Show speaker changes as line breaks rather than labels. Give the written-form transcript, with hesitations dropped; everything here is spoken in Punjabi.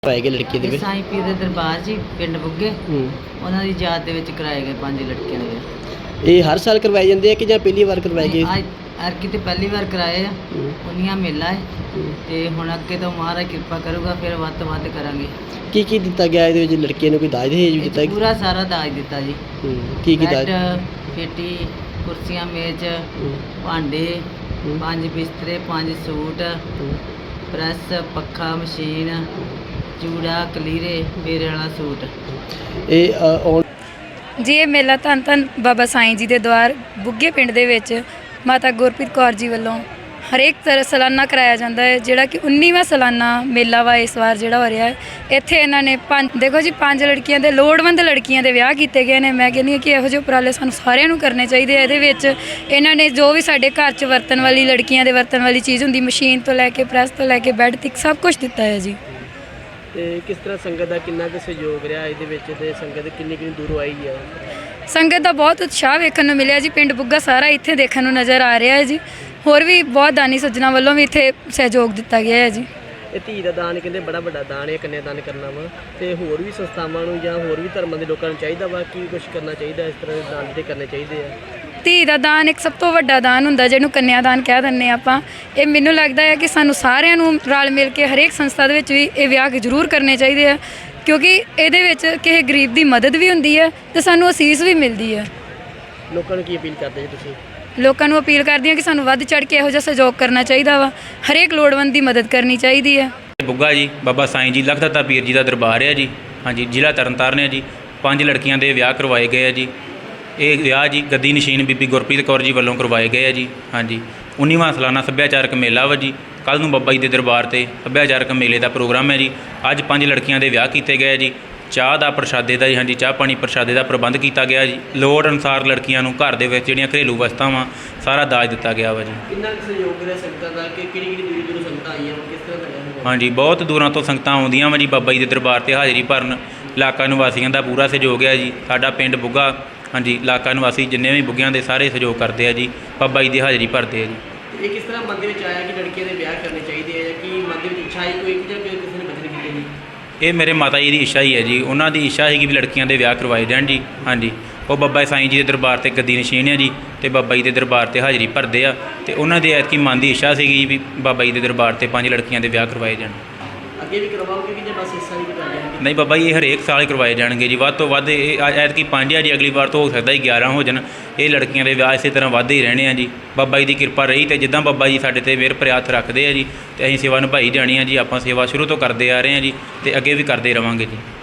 ਕਰਵਾਏ ਗਏ ਲੜਕੀ ਦੇ ਵਿੱਚ?
ਸਾਈਂ ਪੀਰ ਦੇ ਦਰਬਾਰ ਜੀ ਪਿੰਡ ਬੁੱਗੇ ਉਹਨਾਂ ਦੀ ਯਾਦ ਦੇ ਵਿੱਚ ਕਰਾਏ ਗਏ 5 ਲੜਕੀਆਂ ਦੇ ਵਿਆਹ।
ਇਹ ਹਰ ਸਾਲ ਕਰਵਾਏ ਜਾਂਦੇ ਆ ਕਿ ਜਾਂ ਪਹਿਲੀ ਵਾਰ ਕਰਵਾਏ ਗਏ?
ਐਤਕੀ ਤੇ ਪਹਿਲੀ ਵਾਰ ਕਰਾਏ ਆ। ਉਨੀਆਂ ਮੇਲਾ ਹੈ ਤੇ ਹੁਣ ਅੱਗੇ ਤੋਂ ਮਹਾਰਾਜ ਕਿਰਪਾ ਕਰੂਗਾ, ਫਿਰ ਵੱਧ ਤੋਂ ਵੱਧ ਕਰਾਂਗੇ।
ਕੀ ਕੀ ਦਿੱਤਾ ਗਿਆ ਇਹਦੇ ਵਿੱਚ? ਲੜਕੀਆਂ ਨੂੰ ਕੋਈ ਦਾਜ ਦਹੇਜ ਵੀ ਦਿੱਤਾ?
ਪੂਰਾ ਸਾਰਾ ਦਾਜ ਦਿੱਤਾ ਜੀ।
ਕੀ ਦਾਜ?
ਪੇਟੀ, ਕੁਰਸੀਆਂ, ਮੇਜ਼, ਭਾਂਡੇ, 5 ਬਿਸਤਰੇ, 5 ਸੂਟ, ਪ੍ਰੈਸ, ਪੱਖਾ, ਮਸ਼ੀਨ, ਚੂੜਾ, ਕਲੀਰੇ, ਫੇਰੇ ਵਾਲਾ ਸੂਟ।
ਜੀ ਇਹ ਮੇਲਾ ਧੰਨ ਧੰਨ ਬਾਬਾ ਸਾਈਂ ਜੀ ਦੇ ਦੁਆਰ ਬੁੱਗੇ ਪਿੰਡ ਦੇ ਵਿੱਚ ਮਾਤਾ ਗੁਰਪ੍ਰੀਤ ਕੌਰ ਜੀ ਵੱਲੋਂ ਹਰੇਕ ਤਰ੍ਹਾਂ ਸਾਲਾਨਾ ਕਰਾਇਆ ਜਾਂਦਾ ਹੈ, ਜਿਹੜਾ ਕਿ 19ਵਾਂ ਸਾਲਾਨਾ ਮੇਲਾ ਵਾ ਇਸ ਵਾਰ ਜਿਹੜਾ ਹੋ ਰਿਹਾ ਹੈ। ਇੱਥੇ ਇਹਨਾਂ ਨੇ ਦੇਖੋ ਜੀ 5 ਲੜਕੀਆਂ ਦੇ ਲੋੜਵੰਦ ਲੜਕੀਆਂ ਦੇ ਵਿਆਹ ਕੀਤੇ ਗਏ ਨੇ। ਮੈਂ ਕਹਿੰਦੀ ਹਾਂ ਕਿ ਇਹੋ ਜਿਹੇ ਉਪਰਾਲੇ ਸਾਨੂੰ ਸਾਰਿਆਂ ਨੂੰ ਕਰਨੇ ਚਾਹੀਦੇ ਆ। ਇਹਦੇ ਵਿੱਚ ਇਹਨਾਂ ਨੇ ਜੋ ਵੀ ਸਾਡੇ ਘਰ 'ਚ ਵਰਤਣ ਵਾਲੀ ਲੜਕੀਆਂ ਦੇ ਵਰਤਣ ਵਾਲੀ ਚੀਜ਼ ਹੁੰਦੀ, ਮਸ਼ੀਨ ਤੋਂ ਲੈ ਕੇ ਪ੍ਰੈਸ ਤੋਂ ਲੈ ਕੇ ਬੈੱਡ ਤੱਕ ਸਭ ਕੁਝ ਦਿੱਤਾ ਹੈ ਜੀ।
ਤੇ ਕਿਸ ਤਰ੍ਹਾਂ ਸੰਗਤ ਦਾ ਕਿੰਨਾ ਕੁ ਸਹਿਯੋਗ ਰਿਹਾ ਇਹਦੇ ਵਿੱਚ, ਤੇ ਸੰਗਤ ਕਿੰਨੀ ਦੂਰੋਂ ਆਈ ਹੈ?
ਸੰਗਤ ਦਾ ਬਹੁਤ ਉਤਸ਼ਾਹ ਵੇਖਣ ਨੂੰ ਮਿਲਿਆ ਜੀ। ਪਿੰਡ ਬੁੱਗਾ ਸਾਰਾ ਇੱਥੇ ਦੇਖਣ ਨੂੰ ਨਜ਼ਰ ਆ ਰਿਹਾ ਹੈ ਜੀ। ਹੋਰ ਵੀ ਬਹੁਤ ਦਾਨੀ ਸੱਜਣਾ ਵੱਲੋਂ ਵੀ ਇੱਥੇ ਸਹਿਯੋਗ ਦਿੱਤਾ ਗਿਆ ਹੈ ਜੀ।
ਇਹ ਧੀ ਦਾ ਦਾਨ ਕਹਿੰਦੇ ਬੜਾ ਵੱਡਾ ਦਾਨ ਹੈ, ਕੰਨਿਆ ਦਾਨ ਕਰਨਾ ਵਾ, ਤੇ ਹੋਰ ਵੀ ਸੰਸਥਾਵਾਂ ਨੂੰ ਜਾਂ ਹੋਰ ਵੀ ਧਰਮਾਂ ਦੇ ਲੋਕਾਂ ਨੂੰ ਚਾਹੀਦਾ ਵਾ ਕੀ ਕੁਝ ਕਰਨਾ ਚਾਹੀਦਾ? ਇਸ ਤਰ੍ਹਾਂ ਦੇ ਦਾਨ ਤੇ ਕਰਨੇ ਚਾਹੀਦੇ ਆ।
ਧੀ ਦਾ ਦਾਨ ਇੱਕ ਸਭ ਤੋਂ ਵੱਡਾ ਦਾਨ ਹੁੰਦਾ, ਜਿਹਨੂੰ ਕੰਨਿਆ ਦਾਨ ਕਹਿ ਦਿੰਦੇ ਆਪਾਂ। ਇਹ ਮੈਨੂੰ ਲੱਗਦਾ ਹੈ ਕਿ ਸਾਨੂੰ ਸਾਰਿਆਂ ਨੂੰ ਰਲ ਮਿਲ ਕੇ ਹਰੇਕ ਸੰਸਥਾ ਦੇ ਵਿੱਚ ਵੀ ਇਹ ਵਿਆਹ ਜ਼ਰੂਰ ਕਰਨੇ ਚਾਹੀਦੇ ਆ, ਕਿਉਂਕਿ ਇਹਦੇ ਵਿੱਚ ਕਿਸੇ ਗਰੀਬ ਦੀ ਮਦਦ ਵੀ ਹੁੰਦੀ ਹੈ ਤੇ ਸਾਨੂੰ ਅਸੀਸ ਵੀ ਮਿਲਦੀ ਹੈ।
ਲੋਕਾਂ ਨੂੰ ਕੀ ਅਪੀਲ ਕਰਦੇ ਜੀ ਤੁਸੀਂ?
ਲੋਕਾਂ ਨੂੰ ਅਪੀਲ ਕਰਦੀ ਹਾਂ ਕਿ ਸਾਨੂੰ ਵੱਧ ਚੜ੍ਹ ਕੇ ਇਹੋ ਜਿਹਾ ਸਹਿਯੋਗ ਕਰਨਾ ਚਾਹੀਦਾ ਵਾ, ਹਰੇਕ ਲੋੜਵੰਦ ਦੀ ਮਦਦ ਕਰਨੀ ਚਾਹੀਦੀ ਹੈ।
ਬੁੱਗਾ ਜੀ ਬਾਬਾ ਸਾਈਂ ਜੀ ਲਖਦਾਤਾ ਪੀਰ ਜੀ ਦਾ ਦਰਬਾਰ ਹੈ ਜੀ। ਹਾਂਜੀ, ਜ਼ਿਲ੍ਹਾ ਤਰਨਤਾਰਨ ਹੈ ਜੀ। 5 ਲੜਕੀਆਂ ਦੇ ਵਿਆਹ ਕਰਵਾਏ ਗਏ ਆ ਜੀ। ਇਹ ਵਿਆਹ ਜੀ ਗੱਦੀ ਨਸ਼ੀਨ ਬੀਬੀ ਗੁਰਪ੍ਰੀਤ ਕੌਰ ਜੀ ਵੱਲੋਂ ਕਰਵਾਏ ਗਏ ਆ ਜੀ। ਹਾਂਜੀ, 19ਵਾਂ ਸਾਲਾਨਾ ਸੱਭਿਆਚਾਰਕ ਮੇਲਾ ਵਾ ਜੀ। ਕੱਲ੍ਹ ਨੂੰ ਬਾਬਾ ਜੀ ਦੇ ਦਰਬਾਰ 'ਤੇ ਸੱਭਿਆਚਾਰਕ ਮੇਲੇ ਦਾ ਪ੍ਰੋਗਰਾਮ ਹੈ ਜੀ। ਅੱਜ 5 ਲੜਕੀਆਂ ਦੇ ਵਿਆਹ ਕੀਤੇ ਗਏ ਜੀ। ਚਾਹ ਦਾ ਪ੍ਰਸ਼ਾਦੇ ਦਾ ਜੀ, ਹਾਂਜੀ, ਚਾਹ ਪਾਣੀ ਪ੍ਰਸ਼ਾਦੇ ਦਾ ਪ੍ਰਬੰਧ ਕੀਤਾ ਗਿਆ ਜੀ। ਲੋੜ ਅਨੁਸਾਰ ਲੜਕੀਆਂ ਨੂੰ ਘਰ ਦੇ ਵਿੱਚ ਜਿਹੜੀਆਂ ਘਰੇਲੂ ਵਸਤਾਂ ਸਾਰਾ ਦਾਜ ਦਿੱਤਾ ਗਿਆ ਵਾ ਜੀ।
ਕਿੰਨਾ ਕੁ ਸਹਿਯੋਗ ਰਿਹਾ ਸੰਗਤਾਂ ਦਾ ਕਿ ਕਿਹੜੀ ਦੂਰੋਂ ਸੰਗਤਾਂ ਆਈਆਂ ਵਾ, ਕਿਸ ਤਰ੍ਹਾਂ ਦਾ ਰਿਹਾ?
ਹਾਂਜੀ, ਬਹੁਤ ਦੂਰਾਂ ਤੋਂ ਸੰਗਤਾਂ ਆਉਂਦੀਆਂ ਵਾ ਜੀ ਬਾਬਾ ਜੀ ਦੇ ਦਰਬਾਰ 'ਤੇ ਹਾਜ਼ਰੀ ਭਰਨ। ਇਲਾਕਾ ਨਿਵਾਸੀਆਂ ਦਾ ਪੂਰਾ ਸਹਿਯੋਗ ਹੈ ਜੀ। ਸਾਡਾ ਪਿੰਡ ਬੁੱਗਾ, ਹਾਂਜੀ, ਇਲਾਕਾ ਨਿਵਾਸੀ ਜਿੰਨੇ ਵੀ ਬੁੱਗਿਆਂ ਦੇ ਸਾਰੇ ਸਹਿਯੋਗ ਕਰਦੇ ਆ ਜੀ। ਬਾਬਾ ਜੀ ਦੀ ਹਾਜ਼ਰੀ ਭਰਦੇ ਆ ਜੀ।
ਇਹ ਕਿਸ ਤਰ੍ਹਾਂ ਮਨ ਦੇ ਵਿੱਚ ਆਇਆ ਕਿ ਲੜਕੀਆਂ ਦੇ ਵਿਆਹ ਕਰਨੇ ਚਾਹੀਦੇ ਆ, ਕਿ ਮਨ ਦੇ ਵਿੱਚ ਇੱਛਾ ਹੀ ਕੋਈ ਜਾਂ ਕਿਸੇ ਨੇ ਬਚਨ ਕੀਤੇ ਜੀ? ਇਹ
ਮੇਰੇ ਮਾਤਾ ਜੀ ਦੀ ਇੱਛਾ ਹੀ ਹੈ ਜੀ। ਉਹਨਾਂ ਦੀ ਇੱਛਾ ਸੀ ਕਿ ਵੀ ਲੜਕੀਆਂ ਦੇ ਵਿਆਹ ਕਰਵਾਏ ਜਾਣ ਜੀ। ਹਾਂਜੀ, ਉਹ ਬਾਬਾ ਸਾਈਂ ਜੀ ਦੇ ਦਰਬਾਰ 'ਤੇ ਗੱਦੀ ਨਸ਼ੀਨ ਹੈ ਜੀ, ਅਤੇ ਬਾਬਾ ਜੀ ਦੇ ਦਰਬਾਰ 'ਤੇ ਹਾਜ਼ਰੀ ਭਰਦੇ ਆ। ਅਤੇ ਉਹਨਾਂ ਦੇ ਐਤਕੀ ਮਨ ਦੀ ਇੱਛਾ ਸੀਗੀ ਵੀ ਬਾਬਾ ਜੀ ਦੇ ਦਰਬਾਰ 'ਤੇ 5 ਲੜਕੀਆਂ ਦੇ ਵਿਆਹ ਕਰਵਾਏ ਜਾਣ।
ਅੱਗੇ ਵੀ ਕਰਵਾਓਗੇ ਕਿ ਜੇ ਬਸ ਇਸ ਸਾਲ ਹੀ ਕਰਵਾਏ ਜਾਣਗੇ?
ਨਹੀਂ ਬਾਬਾ ਜੀ, ਇਹ ਹਰੇਕ ਸਾਲ ਹੀ ਕਰਵਾਏ ਜਾਣਗੇ ਜੀ। ਵੱਧ ਤੋਂ ਵੱਧ ਇਹ ਐਤਕੀ 5 ਆ ਜੀ, ਅਗਲੀ ਵਾਰ ਤੋਂ ਹੋ ਸਕਦਾ 11 ਹੋ ਜਾਣ। ਇਹ ਲੜਕੀਆਂ ਦੇ ਵਿਆਹ ਇਸੇ ਤਰ੍ਹਾਂ ਵੱਧਦੇ ਹੀ ਰਹਿਣੇ ਆ ਜੀ। ਬਾਬਾ ਜੀ ਦੀ ਕਿਰਪਾ ਰਹੀ ਅਤੇ ਜਿੱਦਾਂ ਬਾਬਾ ਜੀ ਸਾਡੇ 'ਤੇ ਮਿਹਰ ਭਰਿਆ ਹੱਥ ਰੱਖਦੇ ਆ ਜੀ, ਅਤੇ ਅਸੀਂ ਸੇਵਾ ਨਿਭਾਈ ਜਾਣੀ ਆ ਜੀ। ਆਪਾਂ ਸੇਵਾ ਸ਼ੁਰੂ ਤੋਂ ਕਰਦੇ ਆ ਰਹੇ ਹਾਂ ਜੀ, ਅਤੇ ਅੱਗੇ ਵੀ ਕਰਦੇ ਰਹਾਂਗੇ ਜੀ।